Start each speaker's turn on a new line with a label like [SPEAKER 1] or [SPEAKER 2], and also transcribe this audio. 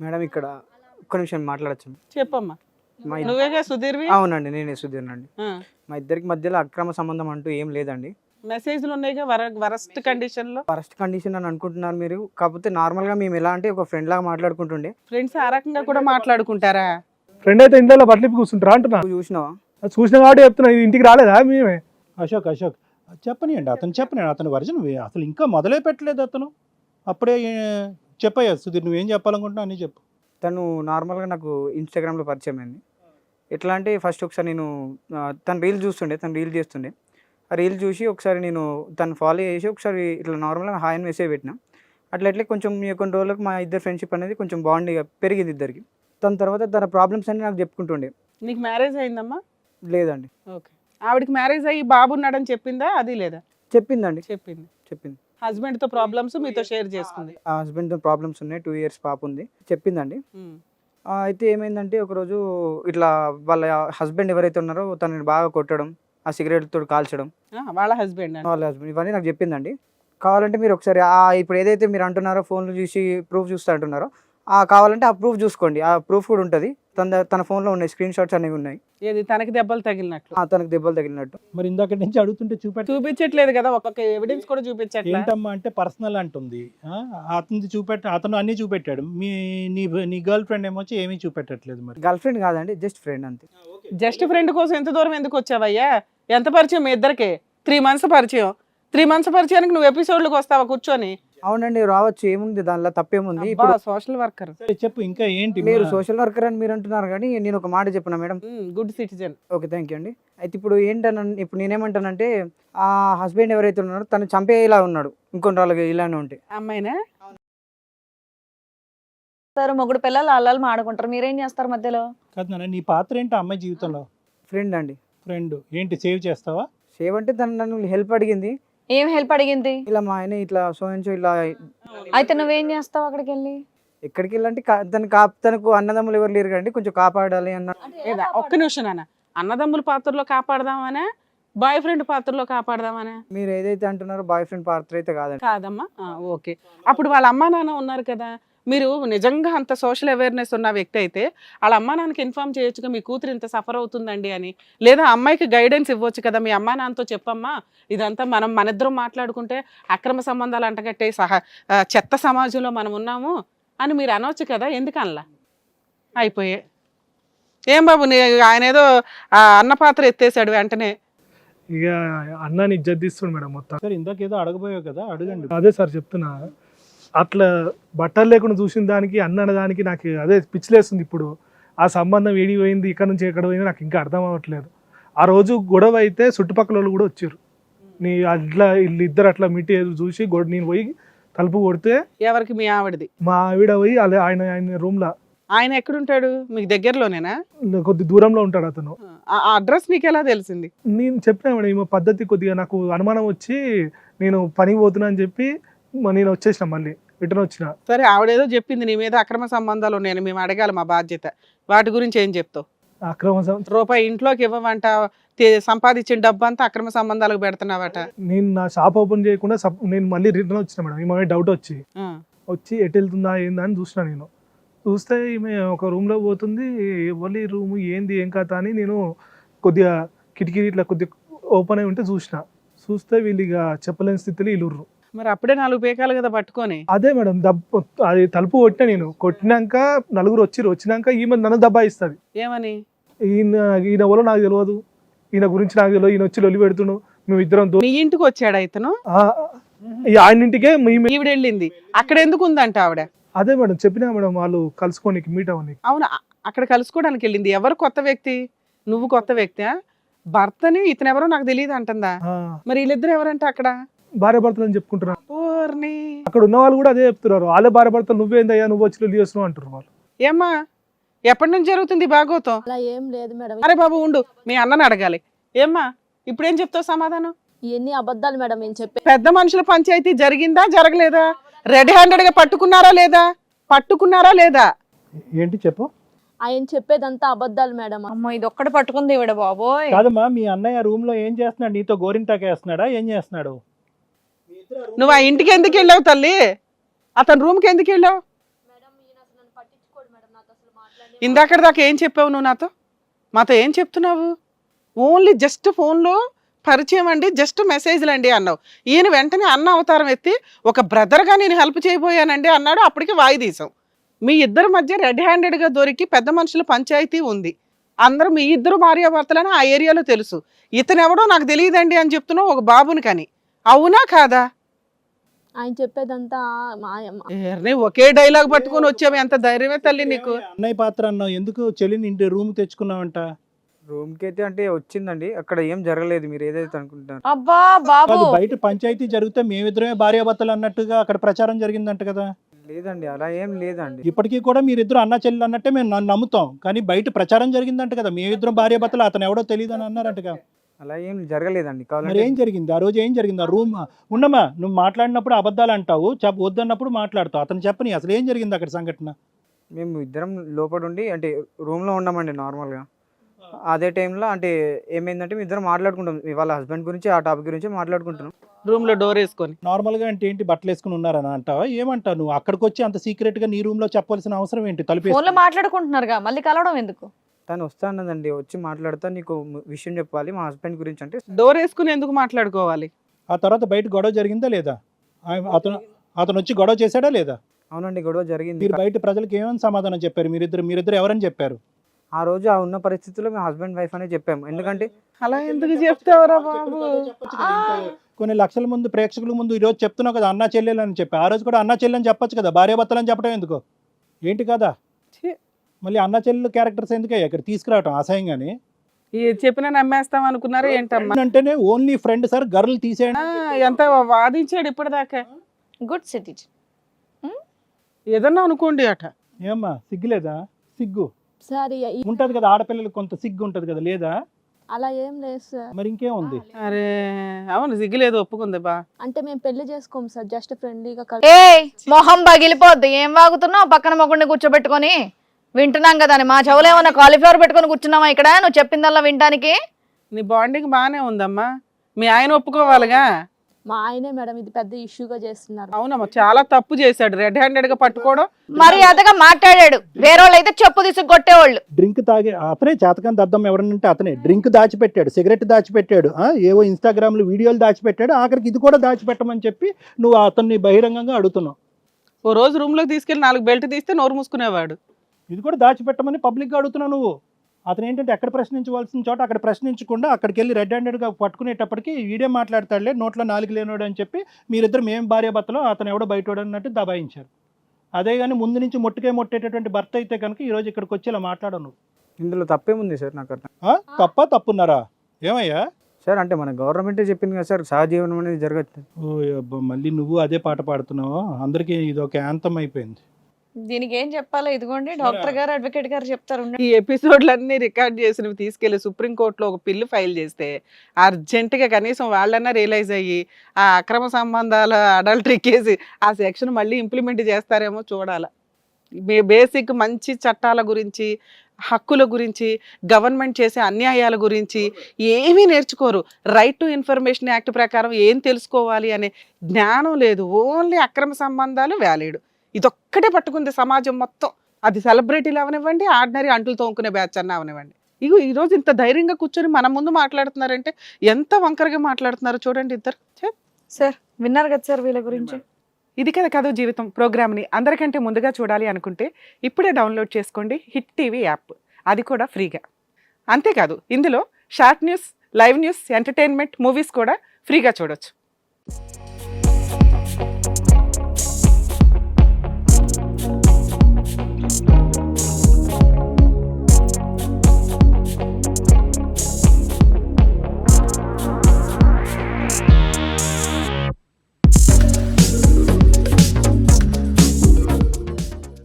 [SPEAKER 1] Madam ఇక్కడ ఒక్క నిమిషం మాట్లాడచ్చు.
[SPEAKER 2] చెప్పమ్మా.
[SPEAKER 1] మా
[SPEAKER 2] నువ్వేగా సుధీర్వి?
[SPEAKER 1] అవునండి, నేనే సుధీర్నండి. మా ఇద్దరికి మధ్యలో అక్రమ సంబంధం అంటూ ఏం లేదండి.
[SPEAKER 2] మెసేజ్లు ఉన్నాయిగా వరస్ట్ కండిషన్ లో.
[SPEAKER 1] ఫస్ట్ కండిషన్ అని అనుకుంటున్నారు మీరు. కాకపోతే నార్మల్ గా మేము ఎలా అంటే ఒక ఫ్రెండ్ లాగా మాట్లాడుకుంటుండే.
[SPEAKER 2] ఫ్రెండ్స్ ఆ రకంగా కూడా మాట్లాడుకుంటారా?
[SPEAKER 3] ఫ్రెండ్ అయితే ఇంట్లో బట్టలు కూర్చుంటారా అంటున్నా.
[SPEAKER 1] నువ్వు చూసినావా?
[SPEAKER 3] చూసిన కాబట్టి చెప్తున్నా, ఇంటికి రాలేదా మేమే?
[SPEAKER 4] అశోక్ చెప్పనియండి, అతని వర్జన్ అసలు ఇంకా మొదలే పెట్టలేదు అతను. అప్పుడే చెప్పయ్యా సుధీర్, నువ్వేం చెప్పాలనుకుంటున్నావు అని చెప్పు.
[SPEAKER 1] తను నార్మల్గా నాకు ఇన్స్టాగ్రామ్లో పరిచయం అయింది. ఎట్లా అంటే ఫస్ట్ ఒకసారి నేను తను రీల్ చూస్తుండే, తను రీల్ చేస్తుండే. ఆ రీల్ చూసి ఒకసారి నేను తను ఫాలో చేసి ఒకసారి ఇట్లా నార్మల్గా హాయ్ అని మెసేజ్ పెట్టిన. అట్లా కొంచెం కొన్ని రోజులకు మా ఇద్దరు ఫ్రెండ్షిప్ అనేది కొంచెం బాండింగ్ పెరిగింది ఇద్దరికి. తన తర్వాత తన ప్రాబ్లమ్స్ అన్ని నాకు చెప్పుకుంటుండే.
[SPEAKER 2] నీకు మ్యారేజ్ అయిందమ్మా?
[SPEAKER 1] లేదండి.
[SPEAKER 2] ఓకే. ఆవిడకి మ్యారేజ్ అయ్యి బాబు ఉన్నాడని చెప్పిందా? అది లేదా?
[SPEAKER 1] చెప్పిందండి.
[SPEAKER 2] చెప్పింది. హస్బెండ్ తో ప్రాబ్లమ్స్ మీతో షేర్ చేసుకుంది.
[SPEAKER 1] ఆ హస్బెండ్తో ప్రాబ్లమ్స్ ఉన్నాయి, 2 years పాప ఉంది, చెప్పిందండి. అయితే ఏమైందంటే ఒకరోజు ఇట్లా వాళ్ళ హస్బెండ్ ఎవరైతే ఉన్నారో తనని బాగా కొట్టడం, ఆ సిగరెట్ తోటి కాల్చడం,
[SPEAKER 2] వాళ్ళ హస్బెండ్
[SPEAKER 1] ఇవన్నీ నాకు చెప్పిందండి. కావాలంటే మీరు ఒకసారి ఇప్పుడు ఏదైతే మీరు అంటున్నారో ఫోన్లు చూసి ప్రూఫ్ చూస్తే అంటున్నారో, కావాలంటే ఆ ప్రూఫ్ చూసుకోండి. ఆ ప్రూఫ్ కూడా ఉంటుంది తన ఫోన్లో ఉన్నాయి, స్క్రీన్ షాట్స్ అనేవి ఉన్నాయి.
[SPEAKER 2] ఏది తనకి దెబ్బలు తగిలినట్లు?
[SPEAKER 1] తనకు దెబ్బలు తగిలినట్టు.
[SPEAKER 4] మరి ఇందాక నుంచి అడుగుతుంటే
[SPEAKER 2] చూపించట్లేదు కదా, ఒక్కొక్క ఎవిడెన్స్ కూడా చూపించట్లేదు.
[SPEAKER 4] ఏంటమ్మా అంటే పర్సనల్ అంటుంది. అతను అన్ని చూపెట్టాడు. నీ గర్ల్ ఫ్రెండ్ ఏమొచ్చి ఏమీ చూపెట్టట్లేదు. మరి
[SPEAKER 1] గర్ల్ ఫ్రెండ్ కాదండి, జస్ట్ ఫ్రెండ్ అంతే.
[SPEAKER 2] జస్ట్ ఫ్రెండ్ కోసం ఎంత దూరం ఎందుకు వచ్చావయ్యా? ఎంత పరిచయం మీ ఇద్దరికి? 3 months పరిచయం. 3 months పరిచయానికి నువ్వు ఎపిసోడ్లకు వస్తావా కూర్చొని?
[SPEAKER 1] అవునండి, రావచ్చు, ఏముంది దానిలో తప్పేముంది.
[SPEAKER 2] Social worker.
[SPEAKER 4] చెప్పు ఇంకా ఏంటి?
[SPEAKER 1] మీరు సోషల్ వర్కర్ అని మీరు అంటున్నారు, కానీ నేను ఒక మాట చెప్పిన madam.
[SPEAKER 2] Good citizen.
[SPEAKER 1] Okay, thank you అండి. అయితే ఇప్పుడు ఇప్పుడు నేనేమంటానంటే ఆ హస్బెండ్ ఎవరైతే ఉన్నారో తను చంపేలా ఉన్నాడు ఇంకొన్ని రోజులుగా ఇలానే ఉంటే.
[SPEAKER 2] అమ్మాయినా
[SPEAKER 5] సార్ మొగుడు పిల్లలు అల్లాలు మాడుకుంటారు, మీరేం చేస్తారు మధ్యలో?
[SPEAKER 4] కాదు నాన్న, నీ పాత్ర ఏంటి అమ్మాయి జీవితంలో?
[SPEAKER 1] ఫ్రెండ్ అండి.
[SPEAKER 4] ఫ్రెండ్ ఏంటి, సేవ్ చేస్తావా?
[SPEAKER 1] సేవ్ అంటే తను నన్ను హెల్ప్ అడిగింది.
[SPEAKER 5] ఏం హెల్ప్ అడిగింది?
[SPEAKER 1] ఇలా మా ఆయన ఇట్లా సోయించు ఇలా.
[SPEAKER 5] అయితే నువ్వేం చేస్తావు అక్కడికి వెళ్ళి?
[SPEAKER 1] ఎక్కడికి వెళ్ళంటే తనకు అన్నదమ్ములు ఎవరు లేరు కండి, కొంచెం కాపాడాలి అన్న.
[SPEAKER 2] ఒక్క నిమిషం నాన్న, అన్నదమ్ముల పాత్రలో కాపాడదామనే, బాయ్ ఫ్రెండ్ పాత్రలో కాపాడదామనే?
[SPEAKER 1] మీరు ఏదైతే అంటున్నారో బాయ్ ఫ్రెండ్ పాత్ర అయితే కాదండి.
[SPEAKER 2] కాదమ్మా. ఓకే. అప్పుడు వాళ్ళ అమ్మా నాన్న ఉన్నారు కదా, మీరు నిజంగా అంత సోషల్ అవేర్నెస్ ఉన్న వ్యక్తి అయితే వాళ్ళ అమ్మా నాన్నకి ఇన్ఫార్మ్ చేయొచ్చుగా, మీ కూతురు ఇంత సఫర్ అవుతుందండి అని. లేదా అమ్మాయికి గైడెన్స్ ఇవ్వచ్చు కదా, మీ అమ్మా నాన్నతో చెప్పమ్మా ఇదంతా మనిద్దరం మాట్లాడుకుంటే అక్రమ సంబంధాలు అంటగట్టే చెత్త సమాజంలో మనం ఉన్నాము అని మీరు అనవచ్చు కదా, ఎందుకనలా? అయిపోయే. ఏం బాబు ఆయన ఏదో అన్న పాత్ర ఎత్తేసాడు వెంటనే.
[SPEAKER 3] ఇక అన్నాని ఇజ్జత్ మేడం మొత్తం.
[SPEAKER 4] సరే ఇందాక ఏదో అడగబోయావు కదా, అడగండి.
[SPEAKER 3] అదే సార్ చెప్తున్నా, అట్లా బట్టలు లేకుండా చూసిన దానికి అన్న దానికి నాకు అదే పిచ్చిలేస్తుంది. ఇప్పుడు ఆ సంబంధం ఏడి పోయింది, ఇక్కడ నుంచి ఎక్కడ పోయింది నాకు ఇంకా అర్థం అవ్వట్లేదు. ఆ రోజు గొడవ అయితే చుట్టుపక్కల వాళ్ళు కూడా వచ్చారు. వీళ్ళిద్దరు అట్లా మిట్టి చూసి నేను పోయి తలుపు కొడితే,
[SPEAKER 2] ఎవరికి? మీ ఆవిడది?
[SPEAKER 3] మా ఆవిడ పోయి ఆయన రూమ్ లా.
[SPEAKER 2] ఆయన ఎక్కడుంటాడు? మీకు దగ్గరలోనేనా?
[SPEAKER 3] కొద్ది దూరంలో ఉంటాడు అతను.
[SPEAKER 2] ఆ అడ్రస్ నీకు ఎలా తెలిసింది?
[SPEAKER 3] నేను చెప్పినా మేడం, ఈ పద్ధతి కొద్దిగా నాకు అనుమానం వచ్చి నేను పనికి పోతున్నా అని చెప్పి నేను వచ్చేసిన, మళ్ళీ రిటర్న్ వచ్చిన.
[SPEAKER 2] సరే, ఆవిడేదో చెప్పింది నీ మీద అక్రమ సంబంధాలు ఉన్నాయని, మేము అడగాలి, మా బాధ్యత. వాటి గురించి ఏం చెప్తావు? రూపాయి ఇంట్లోకి ఇవ్వమంట, సంపాదించిన డబ్బు అంతా అక్రమ సంబంధాలకు పెడుతున్నావట.
[SPEAKER 3] నేను నా షాప్ ఓపెన్ చేయకుండా నేను మళ్ళీ రిటర్న్ వచ్చిన మేడం. ఈమె డౌట్ వచ్చి ఎటు వెళ్తుందా ఏందా అని చూసిన. నేను చూస్తే ఈమె ఒక రూమ్ లో పోతుంది. ఎవరి రూమ్ ఏంది ఏం కథ అని నేను కొద్దిగా కిటికీ ఇట్లా కొద్దిగా ఓపెన్ అయి ఉంటే చూస్తే వీళ్ళు ఇక చెప్పలేని స్థితిలో ఇల్లుర్రు.
[SPEAKER 2] మరి అప్పుడే 4 పేకాలు కదా పట్టుకొని.
[SPEAKER 3] అదే మేడం, అది తలుపు కొట్టినా. నేను కొట్టినాక నలుగురు వచ్చినాక ఈమె నన్ను దబ్బాయిస్తుంది.
[SPEAKER 2] ఏమని?
[SPEAKER 3] ఈయన ఎవరో నాకు తెలియదు, ఈయన గురించి నాకు తెలియదు, ఈయన వచ్చి లొల్లి పెడుతున్నాడు, మేము ఇద్దరం.
[SPEAKER 2] మీ ఇంటికి వచ్చాడు ఇతను?
[SPEAKER 3] ఆయన ఇంటికే
[SPEAKER 2] ఈవిడ వెళ్ళింది. అక్కడ ఎందుకు ఉందంట ఆవిడ?
[SPEAKER 3] అదే మేడం చెప్పినా మేడం, వాళ్ళు కలుసుకోనికి మీట్ అవ్వని.
[SPEAKER 2] అవును, అక్కడ కలుసుకోవడానికి వెళ్ళింది. ఎవరు కొత్త వ్యక్తి? నువ్వు కొత్త వ్యక్తి? భర్తని ఇతను ఎవరో నాకు తెలియదు అంటుందా? మరి వీళ్ళిద్దరు ఎవరంటే అక్కడ
[SPEAKER 3] భార్య భర్తలు అని చెప్పుకుంటున్నారు.
[SPEAKER 2] అక్కడ
[SPEAKER 3] ఉన్న వాళ్ళు కూడా అదే చెప్తున్నారు, వాళ్ళే భార్య భర్తలు, నువ్వేందయ్యా నువ్వు వచ్చి లొల్లి చేస్తున్నావు అంటారు వాళ్ళు.
[SPEAKER 2] ఏమ్మా, ఎప్పటి నుంచి జరుగుతుంది భాగవతం?
[SPEAKER 5] అలా ఏం లేదు మేడం.
[SPEAKER 2] అరే బాబు ఉండు, మీ అన్నని అడగాలి. ఏమ్మా, ఇప్పుడేం చెప్తావు సమాధానం?
[SPEAKER 5] ఇవన్నీ అబద్ధాలు మేడం నేను చెప్పే.
[SPEAKER 2] పెద్ద మనుషుల పంచాయతీ జరిగిందా జరగలేదా? రెడ్ హ్యాండెడ్ గా పట్టుకున్నారా లేదా?
[SPEAKER 4] ఏంటి చెప్పు.
[SPEAKER 5] ఆయన చెప్పేదంతా అబద్ధాలు మేడం. అమ్మో, ఇది ఒక్కటి పట్టుకుంది ఇవిడ బాబోయ్.
[SPEAKER 4] కాదమ్మా, మీ అన్నయ్య రూమ్ లో ఏం చేస్తున్నాడు? నీతో గోరింటాక వేస్తున్నాడా? ఏం చేస్తున్నాడు?
[SPEAKER 2] నువ్వు ఆ ఇంటికి ఎందుకు వెళ్ళావు తల్లి? అతని రూమ్ కి ఎందుకు వెళ్ళావు? ఇందాకటి దాకా ఏం చెప్పావు నువ్వు మాతో ఏం చెప్తున్నావు? ఓన్లీ జస్ట్ ఫోన్లో పరిచయం అండి, జస్ట్ మెసేజ్లు అండి అన్నావు. ఈయన వెంటనే అన్న అవతారం ఎత్తి ఒక బ్రదర్గా నేను హెల్ప్ చేయబోయానండి అన్నాడు. అప్పటికి వాయిదీసాం. మీ ఇద్దరి మధ్య రెడ్ హ్యాండెడ్గా దొరికి పెద్ద మనుషుల పంచాయతీ ఉంది. అందరూ మీ ఇద్దరు భార్యాభర్తలని ఆ ఏరియాలో తెలుసు. ఇతనెవడో నాకు తెలియదండి అని చెప్తున్నావు ఒక బాబుని కని. అవునా కాదా?
[SPEAKER 5] ఆయన చెప్పేదంతా
[SPEAKER 2] ఒకే డైలాగ్ పట్టుకొని వచ్చావు. ఎంత ధైర్యమే తల్లి నీకు.
[SPEAKER 4] అన్నయ్య పాత్ర అన్నావు, ఎందుకు చెల్లిని ఇంటి రూమ్ తెచ్చుకున్నావంట?
[SPEAKER 1] రూమ్కి అయితే అంటే వచ్చిందండి, అక్కడ ఏం జరగలేదు మీరు ఏదైతే అనుకుంటున్నారు.
[SPEAKER 5] అబ్బా బాబు
[SPEAKER 4] కాదు, బయట పంచాయతీ జరిగితే మేమిద్దరమే భార్యాభర్తలు అన్నట్టుగా అక్కడ ప్రచారం జరిగిందంట కదా?
[SPEAKER 1] లేదండి, అలా ఏం లేదండి.
[SPEAKER 4] ఇప్పటికీ కూడా మీరిద్దరు అన్న చెల్లి అన్నట్టే మేము నమ్ముతాం, కానీ బయట ప్రచారం జరిగిందంట కదా మేమిద్దరం భార్యాభర్తలు, అతను ఎవడో తెలియదు అని అన్నారంటగా.
[SPEAKER 1] అలా ఏం జరగలేదండి.
[SPEAKER 4] మరి
[SPEAKER 1] కావాలంటే
[SPEAKER 4] ఏం జరిగింది ఆ రోజు? ఏం జరిగింది? ఆ రూమ్ ఉండమా, నువ్వు మాట్లాడినప్పుడు అబద్ధాలు అంటావు, వద్దన్నప్పుడు మాట్లాడతావు. అతను చెప్పని అసలు ఏం జరిగింది అక్కడ సంఘటన?
[SPEAKER 1] మేము ఇద్దరం లోపల ఉండి అంటే రూమ్లో ఉన్నామండి నార్మల్గా. అదే టైంలో అంటే ఏమైందంటే మేము ఇద్దరం మాట్లాడుకుంటాం, వాళ్ళ హస్బెండ్ గురించి ఆ టాపిక్ గురించి మాట్లాడుకుంటున్నాం.
[SPEAKER 2] రూమ్ లో డోర్ వేసుకొని
[SPEAKER 4] నార్మల్ గా అంటే ఏంటి, బట్టలు వేసుకుని ఉన్నారని అంటావా? ఏమంటావు నువ్వు? అక్కడికి వచ్చి అంత సీక్రెట్ గా నీ రూమ్ లో చెప్పాల్సిన అవసరం ఏంటి? తలుపు
[SPEAKER 5] ఫోన్ లో మాట్లాడుకుంటున్నారుగా, మళ్ళీ కలవడం ఎందుకు?
[SPEAKER 1] తను వస్తా అన్నదండి, వచ్చి మాట్లాడతా నీకు విషయం చెప్పాలి మా హస్బెండ్ గురించి అంటే.
[SPEAKER 2] డోర్ వేసుకుని ఎందుకు మాట్లాడుకోవాలి?
[SPEAKER 4] ఆ తర్వాత బయట గొడవ జరిగిందా లేదా? అతను వచ్చి గొడవ చేశాడా లేదా?
[SPEAKER 1] అవునండి, గొడవ జరిగింది.
[SPEAKER 4] మీరు బయట ప్రజలకు ఏమని సమాధానం చెప్పారు? మీరిద్దరు ఎవరని చెప్పారు?
[SPEAKER 1] ఆ రోజు ఆ ఉన్న పరిస్థితుల్లో మేము హస్బెండ్ వైఫ్ అనే చెప్పాము. ఎందుకంటే
[SPEAKER 2] అలా ఎందుకు చెప్తావరా బాబు?
[SPEAKER 4] కొన్ని లక్షల ముందు ప్రేక్షకుల ముందు ఈ రోజు చెప్తున్నావు కదా అన్నా చెల్లెలు అని చెప్పి, ఆ రోజు కూడా అన్నా చెల్లెలు అని చెప్పొచ్చు కదా, భార్యాభర్తలు అని చెప్పడం ఎందుకు? ఏంటి కదా
[SPEAKER 2] ఛీ.
[SPEAKER 4] మళ్ళీ అన్నా చెల్లెలు క్యారెక్టర్స్ ఎందుకే ఇక్కడ తీసుకురావటం అసహ్యంగాని?
[SPEAKER 2] ఈ చెప్పినా నమ్మేస్తాం అనుకున్నారా ఏంటమ్మా?
[SPEAKER 4] అంటేనే ఓన్లీ ఫ్రెండ్ సార్, గర్ల్ తీసేయండి.
[SPEAKER 2] ఎంత వాదించాడు ఇప్పటిదాకా.
[SPEAKER 5] Good citizen.
[SPEAKER 2] ఏదన్నా అనుకోండి అట.
[SPEAKER 4] ఏమ్మా సిగ్గులేదా? సిగ్గు
[SPEAKER 5] సరే
[SPEAKER 4] ఉంటది కదా, ఆడపిల్లలకు కొంత సిగ్గు ఉంటది కదా, లేదా?
[SPEAKER 5] అలా ఏం లేదు సార్.
[SPEAKER 4] మరి ఇంకేముంది?
[SPEAKER 2] అరే అవును, సిగ్గులేదు, ఒప్పుకుంది బా.
[SPEAKER 5] అంటే మేము పెళ్లి చేసుకోము సార్, జస్ట్ ఫ్రెండ్లీగా
[SPEAKER 6] మొహం పగిలిపోద్ది. ఏం వాగుతున్నావు? పక్కన మొగుడిని కూర్చోబెట్టుకొని వింటున్నాం కదా అని. మా చెవులు ఏమన్నా కాలీఫ్లవర్ పెట్టుకొని కూర్చున్నావా ఇక్కడ నువ్వు చెప్పిందల్లా వినడానికి?
[SPEAKER 2] నీ బాండింగ్ బాగానే ఉందమ్మా, మీ ఆయన ఒప్పుకోవాలిగా.
[SPEAKER 5] మా ఆయనే మేడం ఇది పెద్ద ఇష్యూగా చేస్తున్నారు.
[SPEAKER 2] అవునమ్మా, చాలా తప్పు చేశాడు, రెడ్ హ్యాండెడ్ గా పట్టుకోవడం.
[SPEAKER 6] మరి అదగా మాట్లాడాడు. వేరేవాళ్ళు అయితే చెప్పు తీసుకు కొట్టేవాళ్ళు.
[SPEAKER 4] డ్రింక్ తాగే అతనే చేతకాని దద్దం ఎవరనంటే అతనే డ్రింక్ దాచిపెట్టాడు, సిగరెట్ దాచిపెట్టాడు, ఏవో ఇన్స్టాగ్రామ్ లో వీడియోలు దాచిపెట్టాడు, ఆఖరికి ఇది కూడా దాచిపెట్టమని చెప్పి నువ్వు అతన్ని బహిరంగంగా అడుగుతున్నావు.
[SPEAKER 2] ఓ రోజు రూమ్ లోకి తీసుకెళ్లి 4 బెల్ట్ తీస్తే నోరు మూసుకునేవాడు.
[SPEAKER 4] ఇది కూడా దాచిపెట్టమని పబ్లిక్గా అడుగుతున్నావు నువ్వు. అతను ఏంటంటే ఎక్కడ ప్రశ్నించవలసిన చోట అక్కడ ప్రశ్నించకుండా అక్కడికి వెళ్ళి రెడ్ హ్యాండెడ్గా పట్టుకునేటప్పటికి వీడియో మాట్లాడతాడులే, నోట్లో నాలుగు లేనోడు అని చెప్పి మీరిద్దరు మేము భార్యాభర్తలో అతను ఎవడో బయటోడు అన్నట్టు దబాయించారు. అదే కానీ ముందు నుంచి మొట్టేటటువంటి భర్త అయితే కనుక ఈరోజు ఇక్కడికి వచ్చి ఇలా మాట్లాడవు నువ్వు.
[SPEAKER 1] ఇందులో తప్పేముంది సార్? నాకు అర్థం.
[SPEAKER 4] తప్పున్నారా? ఏమయ్యా
[SPEAKER 1] సార్ అంటే మన గవర్నమెంటే చెప్పింది కదా సార్, సహజీవనం అనేది జరగచ్చు.
[SPEAKER 4] ఓ అబ్బా, మళ్ళీ నువ్వు అదే పాట పాడుతున్నావు. అందరికీ ఇది ఒక యాంతం అయిపోయింది.
[SPEAKER 5] దీనికి ఏం చెప్పాలో ఇదిగోండి డాక్టర్ గారు, అడ్వకేట్ గారు చెప్తారు.
[SPEAKER 2] ఈ ఎపిసోడ్లన్నీ రికార్డ్ చేసినవి తీసుకెళ్లి సుప్రీంకోర్టులో ఒక పిల్లు ఫైల్ చేస్తే అర్జెంటుగా కనీసం వాళ్ళన్నా రియలైజ్ అయ్యి ఆ అక్రమ సంబంధాల అడల్టరీ కేసు ఆ సెక్షన్ మళ్ళీ ఇంప్లిమెంట్ చేస్తారేమో చూడాలి. బేసిక్ మంచి చట్టాల గురించి, హక్కుల గురించి, గవర్నమెంట్ చేసే అన్యాయాల గురించి ఏమీ నేర్చుకోరు. రైట్ టు ఇన్ఫర్మేషన్ యాక్ట్ ప్రకారం ఏం తెలుసుకోవాలి అనే జ్ఞానం లేదు. ఓన్లీ అక్రమ సంబంధాలు వ్యాలిడ్. ఇదొక్కటే పట్టుకుంది సమాజం మొత్తం. అది సెలబ్రిటీలు అవనివ్వండి, ఆర్డినరీ అంటులు తోముకునే బ్యాచ్ అన్న అవనివ్వండి. ఇగో ఈరోజు ఇంత ధైర్యంగా కూర్చొని మన ముందు మాట్లాడుతున్నారంటే ఎంత వంకరగా మాట్లాడుతున్నారు చూడండి ఇద్దరు.
[SPEAKER 5] సార్ విన్నారు కదా సార్ వీళ్ళ గురించి.
[SPEAKER 2] ఇది కదా కథ జీవితం ప్రోగ్రామ్ని అందరికంటే ముందుగా చూడాలి అనుకుంటే ఇప్పుడే డౌన్లోడ్ చేసుకోండి హిట్ టీవీ యాప్, అది కూడా ఫ్రీగా. అంతేకాదు ఇందులో short news, live news, entertainment, movies కూడా ఫ్రీగా చూడొచ్చు.